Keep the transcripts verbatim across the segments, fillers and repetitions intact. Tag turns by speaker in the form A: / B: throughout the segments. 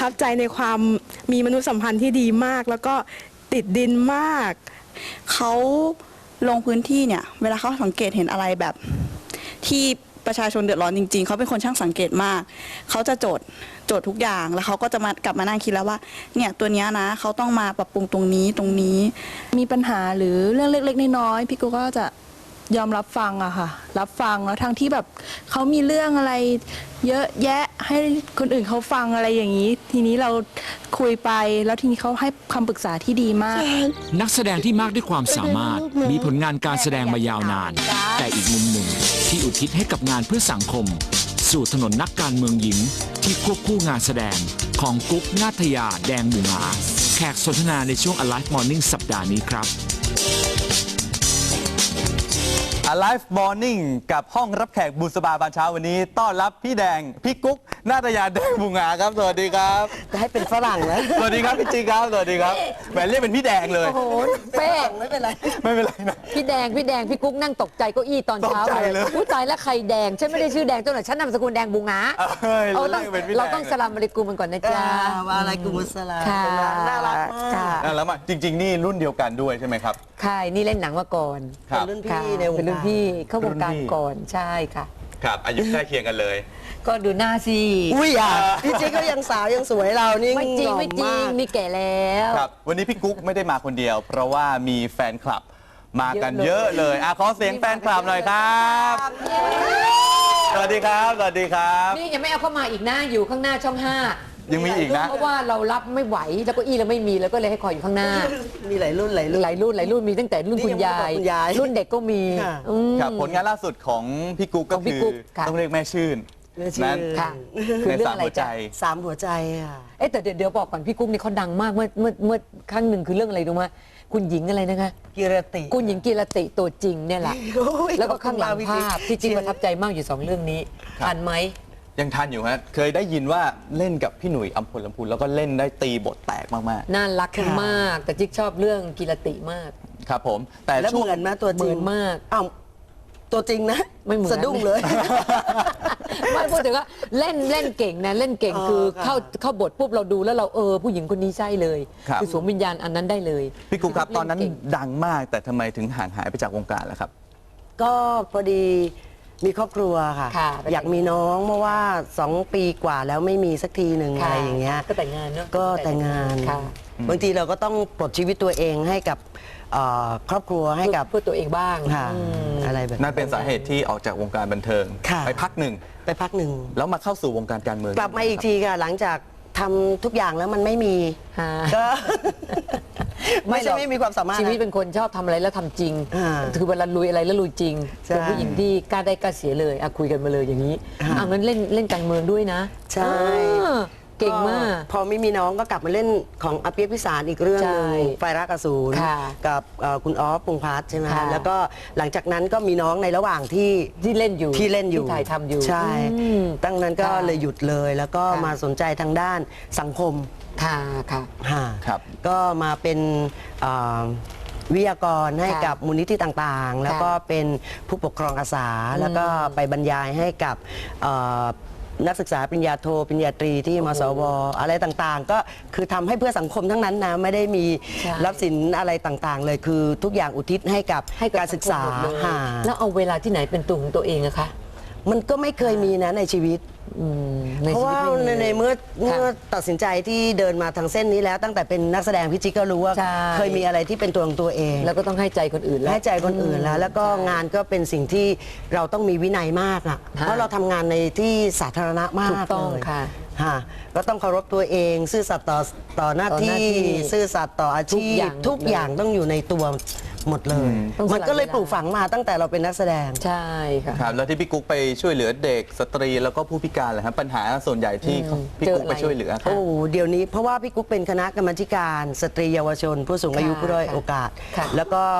A: ทับใจในความมีมนุษยสัมพันธ์ที่ดีมาก แล้วก็ติดดินมาก
B: เขาลงพื้นที่เนี่ยเวลาเขาสังเกตเห็นอะไรแบบที่ประชาชนเดือดร้อนจริงๆเขาเป็นคนช่างสังเกตมากเขาจะโจทย์โจทย์ทุกอย่างแล้วเขาก็จะมากลับมานั่งคิดแล้วว่าเนี่ยตัวเนี้ยนะเขาต้องมาปรับปรุงตรงนี้ตรงนี้
C: มีปัญหาหรือเรื่องเล็กๆน้อยๆพี่กูก็จะยอมรับฟังอะค่ะรับฟังแล้วทั้งที่แบบเขามีเรื่องอะไรเยอะแยะให้คนอื่นเขาฟังอะไรอย่างนี้ทีนี้เราคุยไปแล้วทีนี้เขาให้คำปรึกษาที่ดีมาก
D: นักแสดงที่มากด้วยความสามารถมีผลงานการแสดงมายาวนานแต่อีกมุมหนึ่งที่อุทิศให้กับงานเพื่อสังคมสู่ถนนนักการเมืองหญิงที่ควบคู่งานแสดงของกุ๊กนาทยาแดงบุงาแขกสนทนาในช่วง Alive Morning สัปดาห์นี้ครับ
E: Alive Morning กับห้องรับแขกบุษบาบานเช้าวันนี้ต้อนรับพี่แดงพี่กุ๊กนาตยาแดงบุงาครับสวัสดีครับ
F: จะให้เป็นฝรั่งนะ
E: สวัสดีครับพี่จีครับสวัสดีครับแหมเรียกเป็นพี่แดงเลย
G: โอ้โหเป๊ะ
F: ไม่เป็นไร
E: ไม่เป็นไรนะ
G: พี่แดงพี่แดงพี่กุ๊กนั่งตกใจเก้าอี้ตอนเช้าเลยผู้ตายแล้วใครแดงฉันไม่ได้ชื่อแดงตัวไหนฉันนามสกุลแดงบุงาเราต้องเราต้องสลามอะลัยกุมมันก่อนนะจ๊ะ
F: ว่าอะไรกุมุสลาน่ารักมาก
E: แล้วมาจริงๆนี่รุ่นเดียวกันด้วยใช่ไหมครับ
G: ใช่นี่เล่นหนังมาก่อน
F: เป็นรุ่นพี่ในวงการ
G: เป็นรุ่นพี่เข้าวงการก่อนใช่ค่ะ
E: ครับอายุใกล้เคียงกันเลย
G: ก็ดูหน้าสิ
F: อุ้ยอ่ะพี่จิ๊กก็ยังสาวยังสวยเรานี่
G: ไม่จริงไม่จริงนี่แก่แล้ว
E: ครับวันนี้พี่กุ๊กไม่ได้มาคนเดียวเพราะว่ามีแฟนคลับมากันเยอะเลยอ่ะขอเสียงแฟนคลับหน่อยครับสวัสดีครับสวัสดีครับ
G: นี่ยังไม่เอาเข้ามาอีกนะอยู่ข้างหน้าช่องห้า
E: ยังมีอีกนะ
G: เพราะว่าเรารับไม่ไหวแล้วก็อี้เราไม่มีแล้วก็เลยให้คอยอยู่ข้างหน้า
F: มีหลายรุ่นหลายรุ่น
G: หลายรุ่นหลายรุ่นมีตั้งแต่รุ่นคุณยายรุ่นเด็กก็มี
E: ครับผลงานล่าสุดของพี่กุ๊กก็คือต้องเรียกแม่ชื่น
F: นั่น
G: ค่ะคือเรื่องอะไรใจ
F: สามหัวใจค่ะ
G: เอ๊ะแต่เดี๋ยวบอกก่อนพี่กุ๊กนี่เขาดังมากเมื่อเมื่อเมื่อครั้งหนึ่งคือเรื่องอะไรรู้ไหมคุณหญิงอะไรนะคะ
F: กีรติ
G: คุณหญิงกีรติตัวจริงเนี่ยแหละแล้วก็ข้างหลังภาพที่จริงประทับใจมากอยู่สองเรื่องนี้ทันไหม
E: ยังทันอยู่ฮะเคยได้ยินว่าเล่นกับพี่หนุ่ยอัมพลลำพูนแล้วก็เล่นได้ตีบทแตกมาก
G: ๆน่ารักมากแต่จิ๊กชอบเรื่องกีรติมาก
E: ครับผม
F: แต่ช่วงเหมือนมาตัวจริง
G: มาก
F: อ้าวตัวจริงนะ
G: ไม่เหมือน
F: สะดุ้งเลย
G: ไม่พูดถึงว่าเล่นเล่นเก่งนะเล่นเก่งคือเข้าเข้าบทปุ๊บเราดูแล้วเราเออผู้หญิงคนนี้ใช่เลยคือสวมวิญญาณอันนั้นได้เลย
E: พี่กุ๊กครับตอนนั้นดังมากแต่ทำไมถึงห่างหายไปจากวงการล่ะครับ
F: ก็พอดีมีครอบครัวค่ะอยากมีน้องเพราะว่าสองปีกว่าแล้วไม่มีสักทีหนึ่งอะไรอย่างเงี้ย
G: ก็แต่งงานเนาะ
F: ก็แต่งงานบางทีเราก็ต้องปลดชีวิตตัวเองให้กับครอบครัวให้กับ
G: เพื่อตัวเองบ้าง
F: อะไรแบบ
E: นั่นเป็นสาเหตุที่ออกจากวงการบันเทิงไปพักหนึ่ง
F: ไปพักหนึ่ง
E: แล้วมาเข้าสู่วงการการเมือง
F: กลับมาอีกทีค่ะหลังจากทำทุกอย่างแล้วมันไม่มีก็ไม่ใช่ไม่มีความสามารถ
G: ชีวิตเป็นคนชอบทำอะไรแล้วทำจริงคือเวลาลุยอะไรแล้วลุยจริงเป็นผู้หญิงที่กล้าได้กล้าเสียเลยอะคุยกันมาเลยอย่างนี้อ่ะงั้นเล่นเล่นการเมืองด้วยนะ
F: ใช่
G: เก่งมาก
F: พอไม่มีน้องก็กลับมาเล่นของอภิพิสารอีกเรื่องนึงไฟรักอสูรกับคุณออฟพงษ์พัฒน์ใช่ไหมแล้วก็หลังจากนั้นก็มีน้องในระหว่างที่
G: ที่เล่นอยู่
F: ที่เล่นอยู่
G: ที่ถ่ายทำอยู่
F: ใช่ตั้งนั้นก็เลยหยุดเลยแล้วก็มาสนใจทางด้านสังคม
G: ค่ะค่ะ
F: ครับก็มาเป็นวิทยากรให้กับมูลนิธิต่างๆแล้วก็เป็นผู้ปกครองอาสาแล้วก็ไปบรรยายให้กับนักศึกษาปริญญาโทปริญญาตรีที่มสวอะไรต่างๆก็คือทำให้เพื่อสังคมทั้งนั้นนะไม่ได้มีรับสินอะไรต่างๆเลยคือทุกอย่างอุทิศให้กับการศึกษา
G: แล้วเอาเวลาที่ไหนเป็นตัวของตัวเองอะคะ
F: มันก็ไม่เคยมีนะในชีวิตเพราะว่าในเมื่อเมื่อตัดสินใจที่เดินมาทางเส้นนี้แล้วตั้งแต่เป็นนักแสดงพี่จิ๊กก็รู้ว่าเคยมีอะไรที่เป็นตัวของตัวเอง
G: แล้วก็ต้องให้ใจคนอื่น
F: ให้ใจคนอื่นแล้วแล้วก็งานก็เป็นสิ่งที่เราต้องมีวินัยมากอ่ะเพราะเราทำงานในที่สาธารณะมาก
G: เลย
F: ค่ะก็ต้องเคารพตัวเองซื่อสัตย์ต่อต่อหน้าที่ซื่อสัตย์ต่ออาชีพทุกอย่างต้องอยู่ในตัวหมดเลยมันก็เลยปลูกฝังมาตั้งแต่เราเป็นนักแสดง
G: ใช่ค่ะ
E: ครับแล้วที่พี่กุ๊กไปช่วยเหลือเด็กสตรีแล้วก็ผู้พิการเลยครับปัญหาส่วนใหญ่ที่พี่กุ๊กไปช่วยเหลือ
F: โอ้เดี๋ยวนี้เพราะว่าพี่กุ๊กเป็นคณะกรรมการสตรีเยาวชนผู้สูงอายุผู้ด้อยโอกาสแล้วก็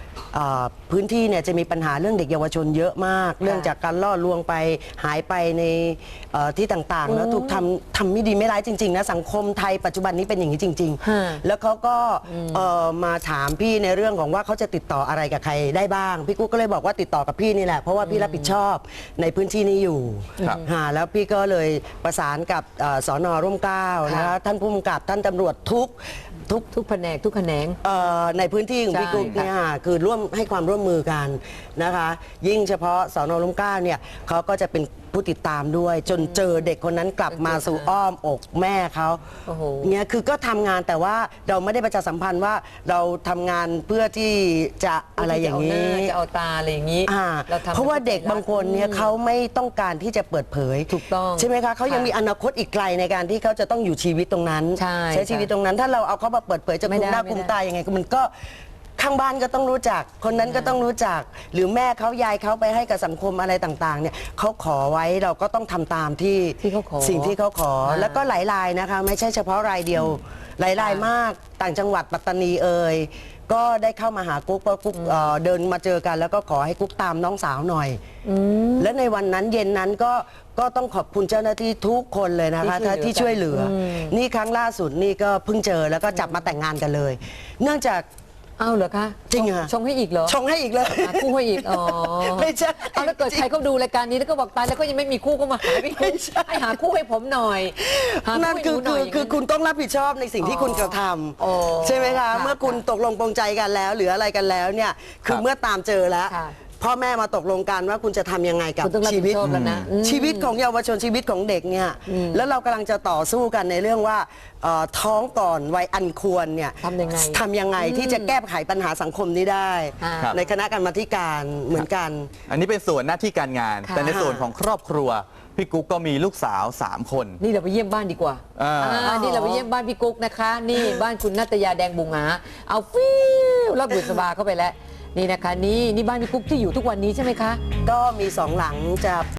F: เอ่อพื้นที่เนี่ยจะมีปัญหาเรื่องเด็กเยาวชนเยอะมาก เรื่องจากการล่อลวงไปหายไปในเอ่อที่ต่างๆ แล้วถูกทำทำไม่ดีไม่ร้ายจริงๆนะสังคมไทยปัจจุบันนี้เป็นอย่างนี้จริง
G: ฮะ
F: ๆ แล้วเขาก็เอ่อมาถามพี่ในเรื่องของว่าเขาจะติดต่ออะไรกับใครได้บ้าง พี่กุ๊กก็เลยบอกว่าติดต่อกับพี่นี่แหละเพราะว่าพี่รับผิดชอบในพื้นที่นี้อยู่
E: ครับ
F: ฮะแล้วพี่ก็เลยประสานกับเอ่อสนร่มเกล้านะคะท่านผู้กำกับท่านตำรวจทุกทุก
G: ทุกแผนกทุกแขนง
F: เอ่อในพื้นที่ของ
G: ใช่
F: พี่กุ๊กเนี่ยคือร่วมให้ความร่วมมือกันนะคะ ยิ่งเฉพาะสนร่มเกล้าเนี่ยเขาก็จะเป็นผู้ติดตามด้วย จนเจอเด็กคนนั้นกลับมาสู่อ้อมอกแม่เขา
G: โอ้โห
F: เนี่ยคือก็ทำงานแต่ว่าเราไม่ได้ประชาสัมพันธ์ว่าเราทำงานเพื่อที่จะอะไรอย่าง
G: นี้
F: นี้
G: จะเอาตาอะไรอย่างนี้
F: อ่า
G: ทำ
F: เพราะว่าเด็กบางคนเนี่ยเขาไม่ต้องการที่จะเปิดเผย
G: ถูกต้อง
F: ใช่ไหมคะเขายัง
G: ค่ะ
F: มีอนาคตอีกไกลในการที่เขาจะต้องอยู่ชีวิตตรงนั้น
G: ใช่
F: ชีวิตตรงนั้น ถ้าเราเอาเขามาเปิดเผยจะ
G: ไม่
F: คุม
G: ได้
F: หน้า
G: ไม่
F: คุม
G: ได้
F: ตายังไงมันก็ข้างบ้านก็ต้องรู้จัก คนนั้นก็ต้องรู้จัก หรือแม่เขายายเขาไปให้กับสังคมอะไรต่างๆเนี่ยเขาขอไว้เราก็ต้องทำตามที่
G: ที่เขาขอ
F: สิ่งที่เขาขอ
G: อ่า
F: แล้วก็หลายรายนะคะ ไม่ใช่เฉพาะรายเดียวหลายรายมากต่างจังหวัดปัตตานีเอ่ยก็ได้เข้ามาหากุ๊กเพราะกุ๊กเอ่อเดินมาเจอกัน แล้วก็ขอให้กุ๊กตามน้องสาวหน่อย และในวันนั้นเย็นนั้นก็ก็ต้องขอบคุณเจ้าหน้าที่ทุกคนเลยนะคะ
G: ที่
F: ที่
G: ช่
F: ช่
G: ว
F: วย ย
G: เห
F: เห
G: ลื
F: ลื
G: อ
F: อ นี่ครั้งล่าสุดนี่ก็เพิ่งเจอแล้วก็จับมาแต่งงานกันเลย เนื่องจาก
G: อ้าวเหรอคะ
F: จริงค่ะ
G: ชงให้อีกเหรอ
F: ชงให้อีกเลย
G: หาคู่ให้อีก อ๋อ
F: ไม่ใช่
G: เอาแล้วเกิดใครเขาดูรายการนี้แล้วก็บอกตายแล้วก็ยังไม่มีคู่ก็มาหาพี่คุณให้หาคู่ให้ผมหน่อยหา
F: นั่น
G: คู่
F: คือ
G: ให้หหน่
F: คือย คือคุณต้องรับผิดชอบในสิ่งที่คุณกระท
G: อ๋อ
F: ำใช่ไหมคะ
G: ค่ะ
F: เมื่อคุณตกลงปรงใจกันแล้ว หรืออะไรกันแล้วเนี่ยคือเมื่อตามเจอแล้ว
G: ค่ะ
F: พ่อแม่มาตกลงกันว่าคุณจะทำยังไงกับ
G: คุณต้องรับ
F: ชี
G: ผิ
F: วิ
G: ด
F: ต
G: ชอบแล้วนะอืม
F: ชีวิตของเยาวชนชีวิตของเด็กเนี่ยแล้วเรากำลังจะต่อสู้กันในเรื่องว่าเอ่อท้องก่อนวัยอันควรเนี่ย
G: ทำยังไง
F: ทำยังไงที่จะแก้ไขปัญหาสังคมนี้ได้
G: อ่า
E: ครับ
F: ในคณะกรรมาธิการเหมือนกัน
E: อันนี้เป็นส่วนหน้าที่การงาน
G: ค่ะ
E: แต่ในส่วนของครอบครัวพี่กุ๊กก็มีลูกสาวสามคน
G: นี่เราไปเยี่ยมบ้านดีกว่า
E: อ่า
G: อ่านี่เราไปเยี่ยมบ้านพี่กุ๊กนะคะ นี่บ้านคุณนัตยาแดงบุงหาเอาฟิวรับบุษบาเข้าไปแล้ว นี่นะคะ นี่นี่บ้านพี่กุ๊กที่อยู่ทุกวันนี้ใช่ไหมคะ
F: ก็มีสองหลังจะ